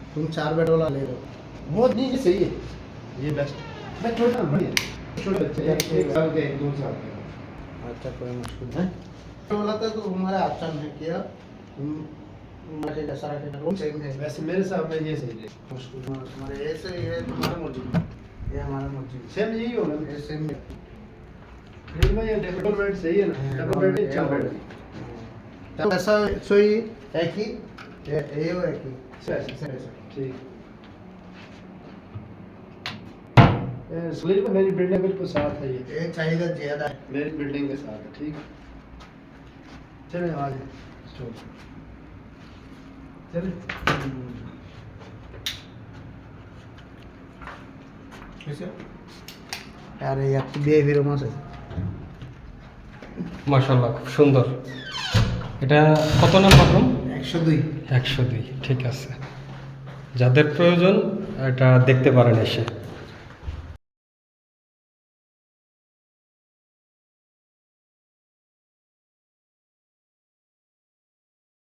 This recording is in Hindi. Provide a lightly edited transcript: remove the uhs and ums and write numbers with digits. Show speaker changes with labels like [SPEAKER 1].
[SPEAKER 1] तुम 4 बेड वाला ले लो। वो नहीं सही है,
[SPEAKER 2] ये बेस्ट। मैं छोटा बढ़िया, छोटे बच्चे एक साल के 2 साल के।
[SPEAKER 1] अच्छा कोई मुश्किल नहीं। तो बोला था तो हमारा अच्छा नहीं किया, मुझे जैसा रखेगा वो सेम है।
[SPEAKER 2] वैसे मेरे हिसाब में ये सही है।
[SPEAKER 1] मुश्किल हमारे ऐसे ये तुम्हारा मर्जी, ये हमारा मर्जी।
[SPEAKER 2] सेम यही होगा ना।
[SPEAKER 1] ये सेम है।
[SPEAKER 2] फिर में ये डबल बेड सही है ना, डबल बेड नहीं, 4 बेड।
[SPEAKER 1] तो ऐसा सोई एक ही ये वो एक ही
[SPEAKER 2] सही ठीक। स्लीप मेरी बिल्डिंग बिल्कुल साथ है,
[SPEAKER 1] ये चाहिए ज्यादा है।
[SPEAKER 2] मेरी बिल्डिंग के साथ है। ठीक चले आ जाए चले।
[SPEAKER 1] कैसे আরে একটু বিয়ে ফিরে মাসে
[SPEAKER 3] মাশাআল্লাহ খুব সুন্দর। এটা কত নাম্বার রুম?
[SPEAKER 1] 102।
[SPEAKER 3] 102 ঠিক আছে। যাদের প্রয়োজন এটা দেখতে পারেন এসে।